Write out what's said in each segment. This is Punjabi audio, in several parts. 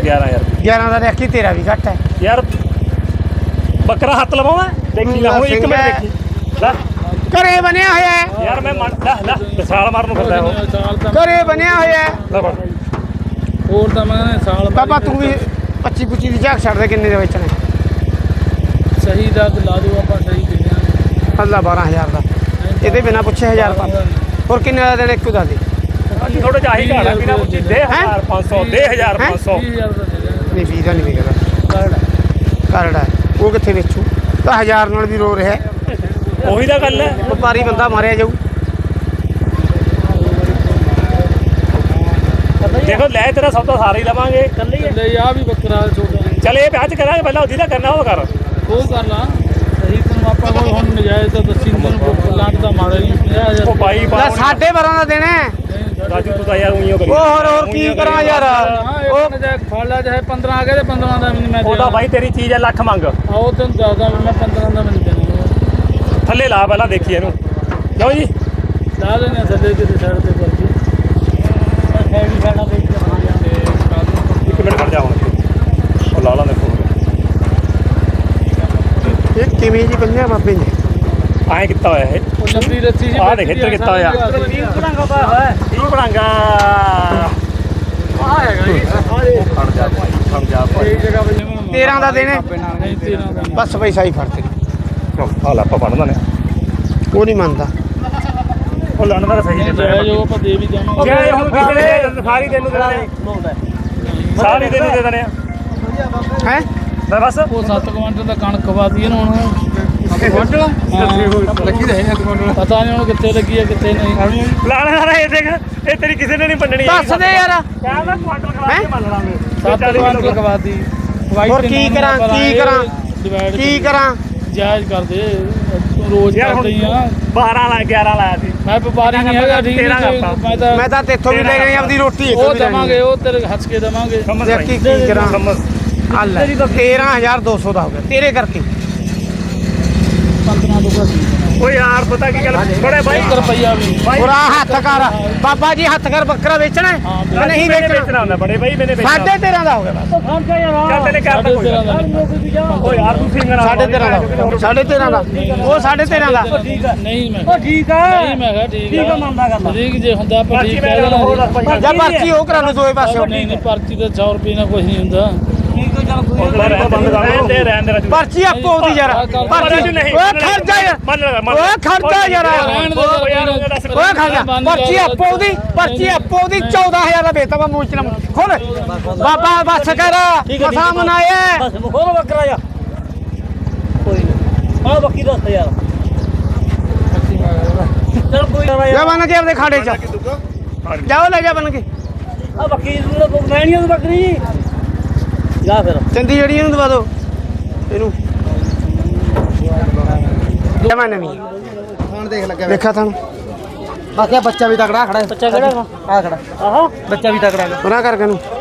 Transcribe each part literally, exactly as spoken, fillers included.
ग्यारह यार ग्यारह का देखी तेरा भी घट है यार बकरा हाथ लवावा देखी ला एक मिनट देखी ला घरे बनया होया है यार मैं मान ला ला साल मारन फिरदा हो घरे बनया होया है ला फड़ ਹੋਰ ਤਾਂ ਮੈਂ ਸਾਲ बाबा तू भी पच्ची पुच्ची की झाक छड़ दे किन्ने दे बेचने ਸਹੀ ਦਾ ਲਾ ਦਿਓ ਆਪਾਂ ਸਹੀ ਦਿੰਦੇ अल्लाह बारह हजार का ये बिना पूछे हजार का और किन्ने का देना एक दा दे थोड़ा जा ही घाड़ा बिना पूछी दे हजार पाँच सौ दे हजार पाँच सौ नहीं बीस का नहीं बिकदा करड़ा वो कितने बेचू तो हजार नाल भी रो रहा है ਉਹੀ ਤਾਂ ਗੱਲ ਹੈ ਵਪਾਰੀ ਬੰਦਾ ਮਾਰਿਆ ਜਾਊ ਦੇਖੋ ਲੈ ਤੇਰਾ ਸੌਦਾ ਸਾਰਾ ਹੀ ਲਵਾਂਗੇ ਕੱਲੇ ਹੀ ਲੈ ਆ ਵੀ ਬੱਕਰਾ ਛੋਟਾ ਚੱਲ ਇਹ ਵਿਆਹ ਚ ਕਰਾਂਗੇ ਪਹਿਲਾਂ ਉਹਦੀ ਦਾ ਕਰਨਾ ਉਹ ਕਰ ਉਹ ਕਰ ਲਾ ਸਹੀ ਤੈਨੂੰ ਆਪਾਂ ਕੋਲ ਹੁਣ ਨਜਾਇਜ਼ ਤਾਂ ਦੱਸੀ ਤੈਨੂੰ ਲਾਟ ਦਾ ਮਾੜਾ ਨਹੀਂ ਪੰਜਾਹ ਹਜ਼ਾਰ ਉਹ ਬਾਈ ਲੈ ਸਾਢੇ ਬਾਰਾਂ ਦਾ ਦੇਣਾ ਹੈ। ਰਾਜੂ ਤੂੰ ਤਾਂ ਯਾਰ ਉਈਓ ਕਰੀ ਉਹ ਹੋਰ ਹੋਰ ਕੀ ਕਰਾਂ ਯਾਰ ਉਹ ਨਜਾਇਜ਼ ਫੜ ਲਾ ਚਾਹੇ ਪੰਦਰਾਂ ਆ ਗਏ ਤੇ ਪੰਦਰਾਂ ਦਾ ਵੀ ਨਹੀਂ ਮੈਂ ਉਹਦਾ ਬਾਈ ਤੇਰੀ ਚੀਜ਼ ਹੈ ਲੱਖ ਮੰਗ ਆਓ ਤੈਨੂੰ ਦੱਸਦਾ ਮੈਂ ਪੰਦਰਾਂ ਦਾ ਮੈਨੂੰ ਦੇਣਾ ਥੱਲੇ ਲਾ ਪਹਿਲਾਂ ਦੇਖੀ ਇਹਨੂੰ ਕਿਉਂ ਜੀ ਲਾ ਲੈਣੇ ਥੱਲੇ ਕਿਤੇ ਸਾਈਡ ਤੇ ਕਰਕੇ ਹੈ ਵੀ ਸਾਡਾ ਵੇਚ ਕੇ ਆਵਾਂਗੇ ਇੱਕ ਮਿੰਟ ਖੜ ਜਾ ਹੁਣ ਉਹ ਲਾ ਲਾ ਦੇਖੋ ਇਹ ਕਿਵੇਂ ਜੀ ਬੰਨਿਆ ਬਾਬੇ ਨੇ ਐਂ ਕੀਤਾ ਹੋਇਆ ਇਹ ਉਹ ਲੰਬੀ ਰੱਸੀ ਜੀ ਆਹ ਦੇਖ ਇੱਧਰ ਕੀਤਾ ਹੋਇਆ ਬਣਾਗਾ ਪਾਇਆ ਹੋਇਆ ਕੀ ਬਣਾਗਾ ਆ ਹੈਗਾ ਜੀ ਖੜ ਜਾ ਭਾਈ ਖੜ ਜਾ ਭਾਈ ਇਹ ਜਗ੍ਹਾ ਤੇ ਤੇਰਾਂ ਦਾ ਦੇਣੇ ਨਹੀਂ ਤੇਰਾਂ ਦਾ ਬਸ ਪੈਸਾ ਹੀ ਫੜ ਤੇ ਆ ਲੈ ਆਪਾਂ ਬਣਦਾ ਨੇ ਉਹ ਨਹੀਂ ਮੰਨਦਾ ਉਹ ਲੜਨ ਦਾ ਸਹੀ ਨਹੀਂ ਦਿੰਦਾ ਜਾਇਜ਼ ਉਹ ਆਪਾਂ ਦੇ ਵੀ ਜਾਵਾਂਗੇ ਜੇ ਹੁਣ ਕਿਸੇ ਨੇ ਸਾਰੀ ਤੈਨੂੰ ਦੇ ਦੇਣੇ ਸਾਰੀ ਤੈਨੂੰ ਦੇ ਦੇਣੇ ਹੈ ਮੈਂ ਬਸ ਉਹ ਸੱਤ ਕੁਆਂਟਲ ਦਾ ਕਣਕ ਖਵਾਤੀ ਇਹਨੂੰ ਹੁਣ ਕੁਆਂਟਲ ਲੱਗੀ ਰਹੇ ਕੁਆਂਟਲ ਪਤਾ ਨਹੀਂ ਹੁਣ ਕਿੱਥੇ ਲੱਗੀ ਹੈ ਕਿੱਥੇ ਨਹੀਂ ਲਾਣਾ ਨਾ ਇਹ ਦੇਖ ਇਹ ਤੇਰੀ ਕਿਸੇ ਨੇ ਨਹੀਂ ਮੰਨਣੀ ਦੱਸ ਦੇ ਯਾਰ ਕਹਿੰਦਾ ਕੁਆਂਟਲ ਖਵਾ ਕੇ ਮੰਨ ਲਾਂਗੇ ਸੱਤ ਕੁਆਂਟਲ ਖਵਾਤੀ ਹੋਰ ਕੀ ਕਰਾਂ ਕੀ ਕਰਾਂ ਕੀ ਕਰਾਂ ਜਾਇਜ਼ ਕਰ ਦੇ ਤੂੰ ਰੋਜ਼ ਯਾਰ ਹੁਣ ਕਰਦੇ ਹੀ ਆ ਬਾਰਾਂ ਲਾ ਗਿਆਰਾਂ ਲਾਇਆ ਸੀ ਮੈਂ ਵਪਾਰੀ ਨਹੀਂ ਹੈਗਾ ਠੀਕ ਤੇਰਾਂ ਨਹੀਂ ਕਰਤਾ। ਮੈਂ ਤਾਂ ਮੈਂ ਤਾਂ ਤੇਥੋਂ ਵੀ ਲੈ ਗਈ ਆਪਦੀ ਰੋਟੀ ਉਹ ਦਵਾਂਗੇ ਉਹ ਤੇਰੇ ਹੱਸ ਕੇ ਦਵਾਂਗੇ ਸਮਝ ਦੇਖ ਕੀ ਕੀ ਕਰਾਂ ਸਮਝ ਹੱਲ ਤੇਰਾਂ ਹਜ਼ਾਰ ਦੋ ਸੌ ਦਾ ਹੋ ਗਿਆ ਤੇਰੇ ਕਰਕੇ ਪੰਦਰਾਂ ਤੋਂ ਘੱਟ ਓ ਯਾਰ ਪਤਾ ਕੀ ਗੱਲ ਬੜੇ ਬਾਈ ਇੱਕ ਰੁਪਈਆ ਵੀ ਬਾਈ ਪੂਰਾ ਹੱਥ ਕਰ ਬਾਬਾ ਜੀ ਹੱਥ ਕਰ ਬੱਕਰਾ ਵੇਚਣਾ ਹੈ? ਹਾਂ, ਨਹੀਂ ਮੈਨੇ ਵੇਚਣਾ ਵੇਚਣਾ ਹੁੰਦਾ ਬੜੇ ਬਾਈ ਮੈਨੇ ਵੇਚਣਾ ਸਾਢੇ ਤੇਰਾਂ ਦਾ ਹੋ ਗਿਆ ਬਸ ਚੱਲ ਤੇਨੇ ਕਰ ਸਾਢੇ ਕੋਈ ਤੇਰਾਂ ਦਾ ਓ ਯਾਰ ਤੂੰ ਸਿੰਗਰ ਸਾਢੇ ਤੇਰਾਂ ਦਾ ਸਾਢੇ ਤੇਰਾਂ ਦਾ ਉਹ ਸਾਢੇ ਤੇਰਾਂ ਦਾ ਨਹੀਂ ਮੈਂ ਓ ਠੀਕ ਆ ਨਹੀਂ ਮੈਂ ਕਿਹਾ ਠੀਕ ਠੀਕ ਆ ਮੰਨਦਾ ਗੱਲ ਠੀਕ ਜੇ ਹੁੰਦਾ ਆਪਾਂ ਬਾਕੀ ਠੀਕ ਮੈਂ ਕਹਿ ਗੱਲ ਹੋਰ ਦੱਸ ਦੇਣਾ ਭਾਈ ਜਾਂ ਪਰਚੀ ਉਹ ਕਰਾ ਲਓ ਦੋਏ ਪਾਸੇ ਨਹੀਂ ਨਹੀਂ ਪਰਚੀ ਤਾਂ ਸੌ ਰੁਪਏ ਨਾਲ ਕੁਝ ਨਹੀਂ ਹੁੰਦਾ ਬੰਦ ਕਰ ਰਹਿਣ ਦੇ ਰਹਿਣ ਦੇ ਰਾਜੂ ਪਰਚੀ ਆਪੋ ਉਹਦੀ ਯਾਰ ਪਰਚੀ ਨਹੀਂ ਓਏ ਖਰਚਾ ਯਾਰ ਮੰਨ ਲੈ ਮੰਨ ਓਏ ਖਰਚਾ ਯਾਰ ਰਹਿਣ ਦੇ ਓਏ ਖਰਚਾ ਪਰਚੀ ਆਪੋ ਉਹਦੀ ਪਰਚੀ ਆਪੋ ਉਹਦੀ ਚੌਦਾਂ ਹਜ਼ਾਰ ਦਾ ਵੇਚਦਾ ਵਾ ਮੂੰਹ ਚ ਨਾ ਖੋਲ ਬਾਬਾ ਬਸ ਕਰ ਮਸਾ ਮਨਾਇਆ ਬਸ ਖੋਲ ਬੱਕਰਾ ਜਾ ਕੋਈ ਨਹੀਂ ਆ ਬੱਕੀ ਦੱਸ ਯਾਰ ਚਲ ਕੋਈ ਨਾ ਜਾ ਬਣ ਕੇ ਆਪਦੇ ਖਾੜੇ ਚ ਜਾਓ ਲੈ ਜਾ ਬਣ ਕੇ ਆ ਬੱਕੀ ਨੂੰ ਮੈਂ ਨਹੀਂ ਉਹ ਬੱਕਰੀ ਜਾ ਫਿਰ ਚੰਦੀ ਜਿਹੜੀ ਇਹਨੂੰ ਦਵਾ ਦਿਓ ਇਹਨੂੰ ਜਮਾ ਨਵੀਂ ਖਾਣ ਦੇਖ ਲੱਗਿਆ ਦੇਖਾ ਤੁਹਾਨੂੰ ਬਾਕੀ ਬੱਚਾ ਵੀ ਤਕੜਾ ਖੜਾ ਬੱਚਾ ਕਿਹੜਾ ਵਾ ਆ ਖੜਾ ਆਹੋ ਬੱਚਾ ਵੀ ਤਕੜਾ ਹੈਗਾ ਉਹਨਾਂ ਕਰਕੇ ਨੂੰ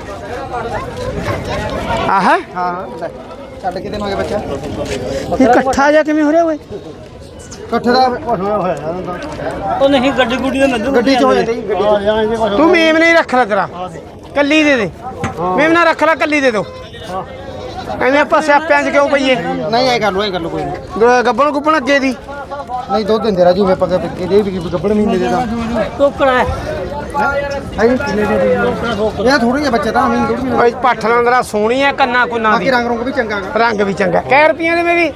ਆਹ ਹਾਂ ਲੈ ਛੱਡ ਕੇ ਦੇਵਾਂਗੇ ਬੱਚਾ ਇਹ ਇਕੱਠਾ ਜਾ ਕਿਵੇਂ ਹੋ ਰਿਹਾ ਓਏ ਇਕੱਠੇ ਦਾ ਹੋਇਆ ਹੋਇਆ ਉਹ ਨਹੀਂ ਗੱਡੀ ਗੁੱਡੀ ਦਾ ਮੈਨੂੰ ਗੱਡੀ ਚ ਹੋ ਜਾਂਦੀ ਗੱਡੀ ਚ ਤੂੰ ਮੇਮ ਨਹੀਂ ਰੱਖ ਲੈ ਤੇਰਾ ਕੱਲੀ ਦੇ ਦੇ ਮੇਮ ਨਾ ਰੱਖ ਲੈ ਕੱਲੀ ਦੇ ਦੋ ਐਵੇਂ ਆਪਾਂ ਸਿਆਪਿਆਂ 'ਚ ਕਿਉਂ ਪਈਏ ਨਹੀਂ ਐ ਕਰ ਲੋ ਐ ਕਰ ਲੋ ਕੋਈ ਨਹੀਂ ਗੱਬਣ ਗੁੱਪਣ ਅੱਗੇ ਦੀ ਨਹੀਂ ਦੁੱਧ ਦਿੰਦੇ ਰਾਜੂ ਵੇ ਪੱਕੇ ਪਿੱਕੇ ਦੇ ਵੀ ਗੱਬੜ ਮਹੀਨੇ ਦੇ ਦਾ ਟੋਕਰਾ ਹੈ ਹੈ ਕਿੰਨੇ ਦੇ ਦੇ ਇਹ ਥੋੜੀ ਜਿਹੇ ਬੱਚੇ ਤਾਂ ਅਮੀਨ ਥੋੜੀ ਓਏ ਪੱਠ ਲੰਦਰਾ ਸੋਹਣੀ ਆ ਕੰਨਾ ਕੁੰਨਾ ਬਾਕੀ ਦੀ ਰੰਗ ਰੰਗ ਵੀ ਚੰਗਾ ਗਾ ਰੰਗ ਵੀ ਚੰਗਾ ਕੈ ਰੁਪਈਆਂ ਦੇ ਮੇਰੀ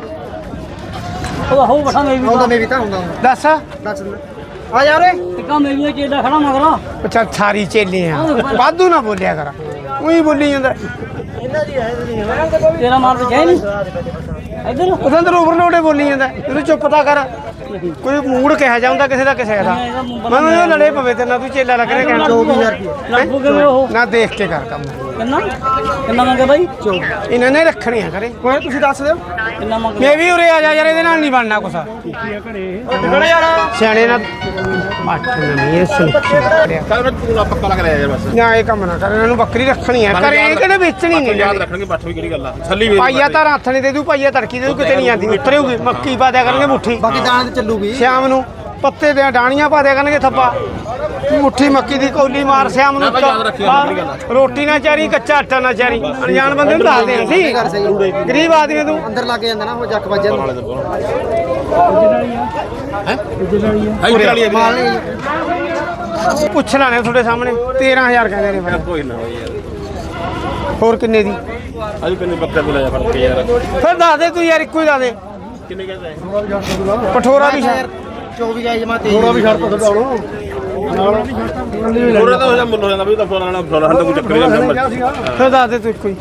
ਉਹ ਹੋ ਬਠਾ ਮੇਰੀ ਆਉਂਦਾ ਮੇਰੀ ਤਾਂ ਆਉਂਦਾ ਦੱਸ ਦੱਸ ਆ ਜਾ ਰੇ ਟਿੱਕਾ ਮੇਰੀ ਚੇਲਾ ਖੜਾ ਮਗਰਾ ਅੱਛਾ ਸਾਰੀ ਚੇਲੇ ਆ ਵਾਧੂ ਨਾ ਬੋਲਿਆ ਕਰ ਉਹੀ ਬੋਲੀ ਜਾਂਦਾ ਤੇਰਾ ਮਾਲ ਵਿੱਚ ਹੈ ਨਹੀਂ ਇਧਰ ਉਹਦੇ ਅੰਦਰ ਓਵਰਲੋਡੇ ਬੋਲੀ ਜਾਂਦਾ ਇਹਨੂੰ ਚੁੱਪ ਤਾਂ ਕਰ ਕੋਈ ਮੂਡ ਕਿਹਾ ਜਾਂਦਾ ਕਿਸੇ ਦਾ ਕਿਸੇ ਦਾ ਮੈਨੂੰ ਇਹ ਲੜੇ ਪਵੇ ਤੇ ਨਾ ਤੂੰ ਚੇਲਾ ਲੱਗ ਰਿਹਾ ਕਹਿਣ ਚੌਵੀ ਹਜ਼ਾਰ ਰੁਪਏ ਲੱਗੂ ਕਿਵੇਂ ਉਹ ਨਾ ਦੇਖ ਕੇ ਕਰ ਕੰਮ ਕਿੰਨਾ ਕਿੰਨਾ ਮੰਗੇ ਬਾਈ ਇਹਨਾਂ ਨੇ ਰੱਖਣੀ ਆ ਕਰੇ ਕੋਈ ਤੁਸੀਂ ਦੱਸ ਦਿਓ ਕਿੰਨਾ ਮੰਗੇ ਮੈਂ ਵੀ ਉਰੇ ਆ ਜਾ ਯਾਰ ਇਹਦੇ ਨਾਲ ਨਹੀਂ ਬਣਨਾ ਕੁਛ ਸਿਆਣੇ ਨਾਲ ਮੱਠ ਨਹੀਂ ਇਹ ਸੁਣਖੀ ਕੱਲ ਤੂੰ ਪੱਕਾ ਲੱਗ ਰਿਹਾ ਯਾਰ ਬਸ ਨਾ ਇਹ ਕੰਮ ਨਾ ਕਰ ਇਹਨਾਂ ਨੂੰ ਬੱਕਰੀ ਰੱਖਣੀ ਆ ਕਰੇ ਇਹ ਕਿਹੜੇ ਵੇਚਣੀ ਨਹੀਂ ਯਾਦ ਰੱਖਣਗੇ ਬੱਠ ਵੀ ਕਿਹੜੀ ਗੱਲ ਆ ਛੱਲੀ ਵੀ ਪਾਈਆ ਤਾਂ ਹੱਥ ਨਹੀਂ ਦੇ ਦੂ ਪਾਈਆ ਤੜਕੀ ਦੇ ਦੂ ਕਿਤੇ ਨਹੀਂ ਆਂਦੀ ਉਤਰੇਗੀ ਮੱਕੀ ਪਾ ਦਿਆ ਕਰਨਗੇ ਮੁੱਠੀ ਬਾਕੀ ਦਾਣੇ ਤੇ ਚੱਲੂਗੀ ਸ਼ਾਮ ਨੂੰ ਪੱਤੇ ਦੀਆਂ ਡਾਣੀਆਂ ਪਾ ਦਿਆ ਕਰਨਗੇ ਥੱਪਾ ਮੁੱਠੀ ਮੱਕੀ ਦੀ ਕੌਲੀ ਮਾਰ ਸਿਆਮ ਨੂੰ ਰੋਟੀ ਨਾ ਚਾਰੀ ਕੱਚਾ ਆਟਾ ਨਾ ਚਾਰੀ ਅਣਜਾਣ ਬੰਦੇ ਨੂੰ ਦੱਸਦੇ ਅਸੀਂ ਗਰੀਬ ਆਦਮੀ ਤੂੰ ਅੰਦਰ ਲੱਗ ਜਾਂਦਾ ਨਾ ਉਹ ਜੱਕ ਵੱਜਣ ਨੂੰ ਮਾਲ ਨਹੀਂ ਪੁੱਛ ਲਾਣੇ ਤੁਹਾਡੇ ਸਾਹਮਣੇ ਤੇਰਾਂ ਹਜ਼ਾਰ ਕਹਿੰਦੇ ਨੇ ਕੋਈ ਨਾ ਯਾਰ ਹੋਰ ਕਿੰਨੇ ਦੀ ਅੱਜ ਕਿੰਨੇ ਬੱਕਰਾ ਕੋਲ ਆਇਆ ਫੜ ਕੇ ਯਾਰ ਫਿਰ ਦੱਸ ਦੇ ਤੂੰ ਯਾਰ ਇੱਕੋ ਹੀ ਦੱਸ ਦੇ ਕਿੰਨੇ ਕਹਿੰਦਾ ਪਠੋਰਾ ਵੀ ਛੱਡ ਚੌਵੀ ਜਾਈ ਜਮਾ ਤੇਈ ਥੋੜਾ ਵੀ ਛੱਡ ਤਾ ਛੱਡਾਉਣੋ ਥੋੜਾ ਤਾਂ ਹੋ ਜਾ ਮੁੱਲ ਹੋ ਜਾਂਦਾ ਵੀ ਤਾਂ ਫੋਨ ਵਾਲਾ ਫੋਨ ਹੱਦ ਕੋਈ ਚੱਕਰ ਨਹੀਂ ਫਿਰ ਦੱਸ ਦੇ ਤੂੰ ਇੱਕੋ ਹੀ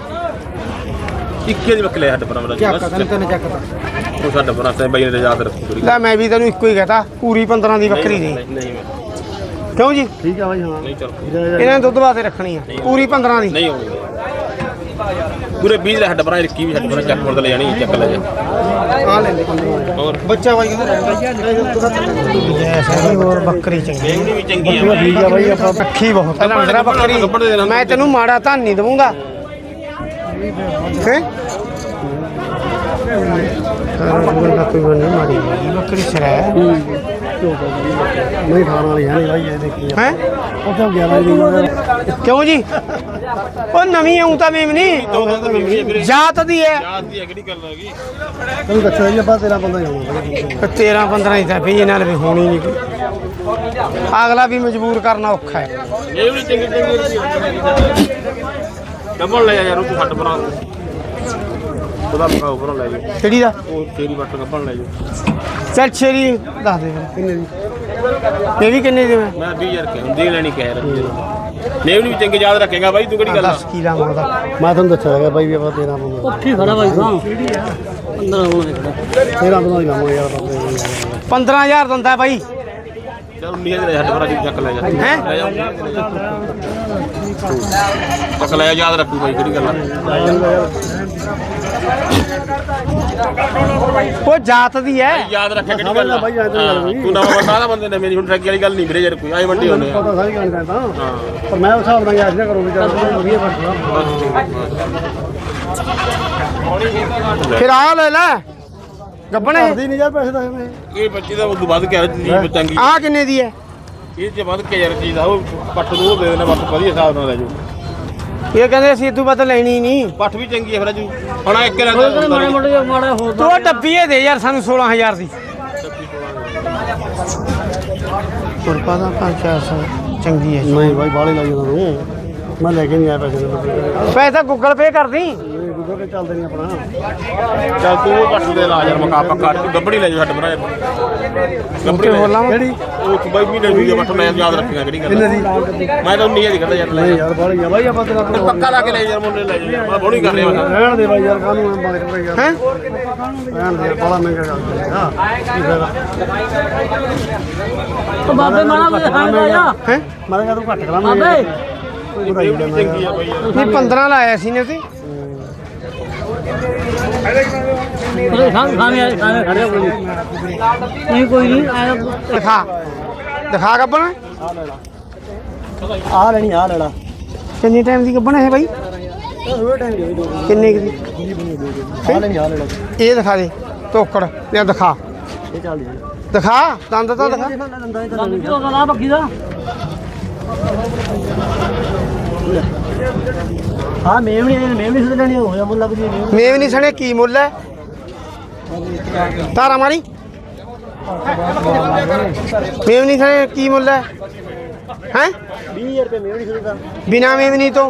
ਇੱਕੇ ਦੀ ਬੱਕਲੇ ਹੱਡ ਪਰ ਮੇਰਾ ਚੱਕ ਤੈਨੂੰ ਤੈਨੂੰ ਚੱਕ ਤਾ ਉਹ ਸਾਡਾ ਬਣਾ ਤੇ ਬਾਈ ਨੇ ਯਾਦ ਰੱਖੋ ਪੂਰੀ ਲੈ ਮੈਂ ਵੀ ਤੈਨੂੰ ਇੱਕੋ ਹੀ ਕਹਤਾ ਪੂਰੀ ਪੰਦਰਾਂ ਦੀ ਬੱਕਰੀ ਦੀ ਨਹੀਂ ਕਿਉਂ ਜੀ ਠੀਕ ਆ ਬਾਈ ਹਾਂ ਨਹੀਂ ਚੱਲ ਇਹਨਾਂ ਨੇ ਦੁੱਧ ਵਾਸਤੇ ਰੱਖਣੀ ਆ ਪੂਰੀ ਪੰਦਰਾਂ ਦੀ ਨਹੀਂ ਹੋਣੀ ਪੂਰੇ ਵੀਹ ਦੇ ਹੱਡ ਪਰ ਇੱਕੀ ਵੀ ਹੱਡ ਪਰ ਚੱਕ ਮੁਰਦ ਲੈ ਜਾਣੀ ਚੱਕ ਲੈ ਜਾ ਆ ਲੈ ਲੈ ਹੋਰ ਬੱਚਾ ਬਾਈ ਕਿੱਥੇ ਰਹਿੰਦਾ ਹੋਰ ਬੱਕਰੀ ਚੰਗੀ ਇਹ ਵੀ ਚੰਗੀ ਆ ਠੀਕ ਆ ਬਾਈ ਆਪਾਂ ਅੱਖੀ ਬਹੁਤ ਹੈ ਲੰਗਰਾ ਬੱਕਰੀ ਮੈਂ ਤੈਨੂੰ ਮਾੜਾ ਧਨ ਨਹੀਂ ਦਵਾਂਗਾ ਹੈ ਕੋਈ ਬੰਦਾ ਮਾੜੀ ਬੱਕਰੀ ਸਰਾ ਨਹੀਂ ਖਾਣ ਵਾਲੀ ਹੈ ਨਹੀਂ ਬਾਈ ਇਹ ਦੇਖੀ ਹੈ ਉਹ ਤਾਂ ਗਿਆਰਾਂ ਦੀ ਕਿਉਂ ਜੀ ਉਹ ਨਵੀਂ ਆਉਂ ਤਾਂ ਮੇਮਨੀ ਜਾਤ ਦੀ ਹੈ ਯਾਦ ਦੀ ਕਿਹੜੀ ਗੱਲ ਹੈਗੀ ਤੈਨੂੰ ਦੱਸਿਆ ਜੀ ਆਪਾਂ ਤੇਰਾ ਬੰਦਾ ਜਾਊਗਾ ਤੇਰਾਂ ਪੰਦਰਾਂ ਹੀ ਤਾਂ ਵੀ ਨਾਲ ਵੀ ਹੋਣੀ ਨਹੀਂ ਕੋਈ ਅਗਲਾ ਵੀ ਮਜਬੂਰ ਕਰਨਾ ਔਖਾ ਹੈ ਇਹ ਵੀ ਚੰਗੀ ਚੰਗੀ ਡਬਲ ਲੈ ਜਾ ਯਾਰ ਉਹ ਹੱਡ ਬਣਾ ਉਹਦਾ ਮਕਾਉ ਬਣਾ ਲੈ ਜਾ ਕਿਹੜੀ ਦਾ ਉਹ ਤੇਰੀ ਵੱਟ ਕੱਪਣ ਲੈ ਜਾ ਚੱਲ ਛੇਰੀ ਦੱਸ ਦੇ ਫਿਰ ਕਿੰਨੇ ਦੀ ਇਹ ਵੀ ਕਿੰਨੇ ਦੀ ਮੈਂ ਮੈਂ ਵੀਹ ਹਜ਼ਾਰ ਕਿ ਹੁੰਦੀ ਲੈਣੀ ਕਹਿ ਰਿਹਾ ਨੇਵ ਵੀ ਚੰਗੀ ਯਾਦ ਰੱਖੇਗਾ ਬਾਈ ਤੂੰ ਕਿਹੜੀ ਗੱਲ ਆ ਦਸ ਕੀ ਲਾਵਾਂ ਉਹਦਾ ਮੈਂ ਤੁਹਾਨੂੰ ਦੱਸਿਆ ਹੈਗਾ ਬਾਈ ਵੀ ਆਪਾਂ ਤੇਰਾ ਬੰਦਾ ਉੱਠੀ ਖੜਾ ਬਾਈ ਸਾਂ ਅੰਦਰ ਆਉਣਾ ਤੇਰਾ ਬੰਦਾ ਹੀ ਲਾਵਾਂਗੇ ਯਾਰ ਪੰਦਰਾਂ ਹਜ਼ਾਰ ਦਿੰਦਾ ਬਾਈ ਚਲ ਉੱਨੀ ਹਜ਼ਾਰ ਹੱਡ ਬਣਾ ਜੀ ਚੱਕ ਲੈ ਜਾ ਹੈਂ? ਲੈ ਜਾ ਚੱਕ ਲੈ ਜਾ ਯਾਦ ਰੱਖੂ ਬਾਈ ਕਿਹੜੀ ਗੱਲ ਆ ਉਹ ਜਾਤ ਦੀ ਹੈ ਯਾਦ ਰੱਖਿਆ ਕਿਹੜੀ ਗੱਲ ਆ ਹਾਂ, ਤੂੰ ਨਵਾਂ ਬੰਦਾ ਨਾ ਬੰਦੇ ਨੇ ਮੇਰੀ ਹੁਣ ਠੱਗੀ ਵਾਲੀ ਗੱਲ ਨਹੀਂ ਵੀਰੇ ਯਾਰ ਕੋਈ ਆਈ ਮੰਡੀ ਹੁੰਦੇ ਆ ਪਤਾ ਸਾਰੀ ਗੱਲ ਕਰਦਾ ਹਾਂ ਪਰ ਮੈਂ ਉਸ ਹਿਸਾਬ ਨਾਲ ਯਾਦ ਨਾ ਕਰੂੰਗਾ ਚੱਲ ਵਧੀਆ ਫਸਲਾ ਫਿਰ ਆ ਲੈ ਲੈ ਗੱਬਣੇ ਕਰਦੀ ਨਹੀਂ ਯਾਰ ਪੈਸੇ ਦਾ ਮੈਂ ਇਹ ਬੱਚੇ ਦਾ ਉਦੋਂ ਵੱਧ ਕੇ ਜੀ ਚੰਗੀ ਆ ਕਿੰਨੇ ਦੀ ਹੈ ਇਹ ਚ ਵੱਧ ਕੇ ਯਾਰ ਚੀਜ਼ ਆ ਉਹ ਪੱਟ ਨੂੰ ਉਹ ਦੇ ਦੇਣਾ ਵੱਧ ਵਧੀਆ ਹਿਸਾਬ ਨਾਲ ਲੈ ਜਾਓ ਇਹ ਕਹਿੰਦੇ ਅਸੀਂ ਇਦੋਂ ਵੱਧ ਲੈਣੀ ਨਹੀਂ ਪੱਠ ਵੀ ਚੰਗੀ ਹੈ ਫਿਰ ਅਜੂ ਹੁਣ ਇੱਕ ਮਾੜੇ ਲੈਂਦਾ ਮੋਟੇ ਮਾੜਾ ਹੋਰ ਤੂੰ ਉਹ ਡੱਬੀਏ ਦੇ ਯਾਰ ਸਾਨੂੰ ਸੋਲਾਂ ਹਜ਼ਾਰ ਦੀ ਕੁਰਪਾ ਦਾ ਪੰਜ ਚਾਰ ਸੌ ਚੰਗੀ ਹੈ ਨਹੀਂ ਬਾਈ ਬਾਲੇ ਲਾਈ ਜਾਂਦਾ ਤੂੰ ਮੈਂ ਲੈ ਕੇ ਨਹੀਂ ਆਇਆ ਪੈਸੇ ਦੇ ਪੈਸਾ ਗੂਗਲ ਪੇ ਕਰਦੀ ਗੂਗਲ ਪੇ ਚੱਲਦੇ ਨਹੀਂ ਆਪਣਾ ਚੱਲ ਤੂੰ ਉਹ ਪੱਠ ਦੇ ਲਾ ਯਾਰ ਮਕਾ ਪੱਕਾ ਤੂੰ ਗੱਬੜੀ ਲੈ ਜਾ ਛੱਡ ਬਣਾ ਗੱਬੜੀ ਹੋਰ ਲਾਵਾਂ? ਕਿਹੜੀ ਉਹ ਤੂੰ ਬਾਈ ਮਹੀਨੇ ਦੀ ਪੱਠ ਮੈਂ ਯਾਦ ਰੱਖੀਆਂ ਕਿਹੜੀ ਗੱਲ ਕਿੰਨੇ ਦੀ ਮੈਂ ਤਾਂ ਉਨੀ ਹਜ਼ਾਰ ਦੀ ਕਰਦਾ ਯਾਰ ਲੈ ਨਹੀਂ ਜਾ ਯਾਰ ਬਾਲੀ ਆ ਬਾਈ ਆਪਾਂ ਤੇਰਾ ਪੱਕਾ ਲਾ ਕੇ ਲੈ ਯਾਰ ਮੁੰਡੇ ਲੈ ਜਾ ਮੈਂ ਬੋਣੀ ਕਰ ਰਿਹਾ ਮੈਂ ਰਹਿਣ ਦੇ ਬਾਈ ਯਾਰ ਕਾਹਨੂੰ ਐਂ ਬਾਲੇ ਕਰ ਯਾਰ ਹੈ ਰਹਿਣ ਦੇ ਬੜਾ ਮਹਿੰਗਾ ਕਰ ਹਾਂ ਕੀ ਫਾਇਦਾ ਉਹ ਬਾਬੇ ਮਾਣਾ ਕੋਈ ਖਾਣ ਦਾ ਜਾ ਹੈ ਮੈਂ ਕਿਹਾ ਤੂੰ ਘੱਟ ਕਰਾਂਗੇ ਬਾਬੇ ਵਧਾਈ ਲੈਣਾ ਚੰਗੀ ਆ ਬਾਈ ਯਾਰ ਨਹੀਂ ਪੰਦਰਾਂ ਲਾਇਆ ਸੀ ਨੇ ਤੇ ਉਹਦੇ ਖਾਣ ਖਾਣੇ ਵਾਲੇ ਖਾਣੇ ਖੜਿਆ ਕੋਈ ਨਹੀਂ ਕੋਈ ਨਹੀਂ ਆਇਆ ਦਿਖਾ ਦਿਖਾ ਗੱਬਣ ਆ ਲੈਣੀ ਆ ਲੈਣਾ ਕਿੰਨੀ ਟਾਈਮ ਦੀ ਗੱਬਣ ਹੈ ਬਾਈ ਉਹ ਟਾਈਮ ਦੇ ਦੋ ਕਿੰਨੇ ਕੁ ਦੀ ਆ ਲੈਣੀ ਆ ਲੈਣਾ ਇਹ ਦਿਖਾ ਦੇ ਤੋਕੜ ਇਹ ਦਿਖਾ ਇਹ ਚੱਲਦੀ ਦਿਖਾ ਦੰਦ ਤਾਂ ਦਿਖਾ ਲੱਗੀ ਉਹ ਨਾ ਬੱਕੀ ਦਾ ਹਾਂ ਮੇਵਣੀ ਮੇਵਣੀ ਸੁਧ ਲੈਣੀ ਹੋਇਆ ਮੁੱਲ ਲੱਗਦੀ ਹੈ ਮੇਵ ਨਹੀਂ ਸਣੇ ਕੀ ਮੁੱਲ ਹੈ ਤਾਰਾ ਮਾਰੀ ਮੇਵ ਨਹੀਂ ਸਣੇ ਕੀ ਮੁੱਲ ਹੈ ਹੈ ਵੀਹ ਹਜ਼ਾਰ ਰੁਪਏ ਮੇਵਣੀ ਸੁਧ ਦਾ ਬਿਨਾ ਮੇਵਨੀ ਤੋਂ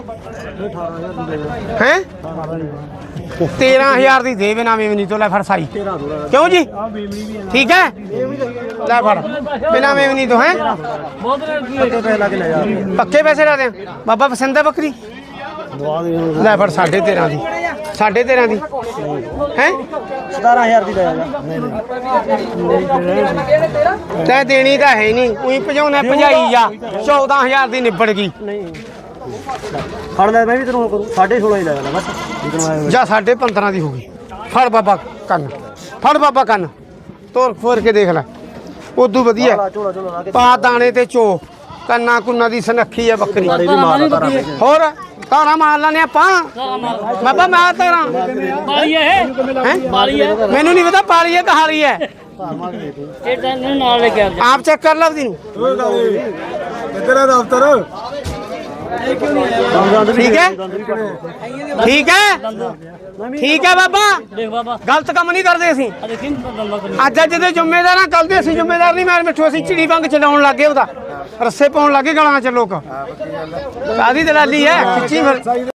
ਹੈ ਤੇਰਾਂ ਹਜ਼ਾਰ ਦੀ ਦੇ ਬਿਨਾ ਮੇਵਨੀ ਤੋਂ ਲੈ ਫੜ ਸਾਈ ਕਿਉਂ ਜੀ ਠੀਕ ਹੈ ਲੈ ਫੜ ਬਿਨਾ ਮੇਵਨੀ ਤੋਂ ਹੈ ਬਹੁਤ ਰੇਟ ਕੀ ਪੱਕੇ ਪੈਸੇ ਲਾ ਕੇ ਲੈ ਜਾ ਪੱਕੇ ਪੈਸੇ ਲਾ ਦੇ ਬਾਬਾ ਪਸੰਦ ਹੈ ਬੱਕਰੀ ਦਵਾ ਦੇ ਲੈ ਫੜ ਸਾਢੇ ਤੇਰਾਂ ਦੀ ਸਾਢੇ ਤੇਰਾਂ ਦੀ ਹੈ ਸਤਾਰਾਂ ਹਜ਼ਾਰ ਦੀ ਲੈ ਜਾ ਤੈਂ ਦੇਣੀ ਤਾਂ ਹੈ ਨਹੀਂ ਉਹੀ ਭਜਾਉਣਾ ਭਜਾਈ ਜਾ ਚੌਦਾਂ ਹਜ਼ਾਰ ਦੀ ਨਿਬੜ ਗਈ ਨਹੀਂ ਫੜ ਲੈ ਮੈਂ ਵੀ ਤੈਨੂੰ ਕਰੂ ਸਾਢੇ ਸੋਲਾਂ ਹੀ ਲੈ ਜਾਣਾ ਬਸ ਜਿੱਦਣ ਆਇਆ ਜਾਂ ਸਾਢੇ ਪੰਦਰਾਂ ਦੀ ਹੋ ਗਈ ਫੜ ਬਾਬਾ ਕੰਨ ਫੜ ਬਾਬਾ ਕੰਨ ਤੋਰ ਫੋਰ ਕੇ ਦੇਖ ਲੈ ਉਦੋਂ ਵਧੀਆ ਝੋਲਾ ਝੋਲਾ ਲਾ ਕੇ ਪਾ ਦਾਣੇ ਤੇ ਚੋ ਕੰਨਾ ਕੁੰਨਾ ਦੀ ਸਨੱਖੀ ਆ ਬੱਕਰੀ ਮਾਰੇ ਵੀ ਮਾਰ ਤਾਰਾ ਪੈ ਹੋਰ ਤਾਰਾ ਮਾਰ ਲੈਣੇ ਆਪਾਂ ਬਾਬਾ ਮੈਂ ਤਾਰਾ ਮਾਰੀ ਹੈ ਹੈ ਮਾਰੀ ਹੈ ਮੈਨੂੰ ਨਹੀਂ ਪਤਾ ਪਾਲੀ ਹੈ ਕਹਾਰੀ ਹੈ ਇਹ ਤਾਂ ਇਹਨੂੰ ਨਾਲ ਲੈ ਕੇ ਆ ਆਪ ਚੈੱਕ ਕਰ ਲਵਦੀ ਨੂੰ ਕਿੱਧਰ ਹੈ ਦਫ਼ਤਰ ਠੀਕ ਹੈ ਠੀਕ ਹੈ ਠੀਕ ਹੈ ਬਾਬਾ ਦੇਖ ਬਾਬਾ ਗਲਤ ਕੰਮ ਨਹੀਂ ਕਰਦੇ ਅਸੀਂ ਆ ਦੇਖੀ ਦੰਦਾ ਕਰੀ ਅੱਜ ਅੱਜ ਦੇ ਜ਼ਿੰਮੇਦਾਰ ਆ ਕੱਲ ਦੇ ਅਸੀਂ ਜ਼ਿੰਮੇਦਾਰ ਨਹੀਂ ਮਾਰ ਮਿੱਠੂ ਅਸੀਂ ਚਿੜੀ ਵਾਂਗ ਚਲਾਉਣ ਲੱਗੇ ਉਹਦਾ ਰੱਸੇ ਪਾਉਣ ਲੱਗੇ ਗਲਾਂ 'ਚ ਲੋਕ ਕਾਦੀ ਦਲਾਲੀ ਹੈ ਖਿੱਚੀ ਫਿਰ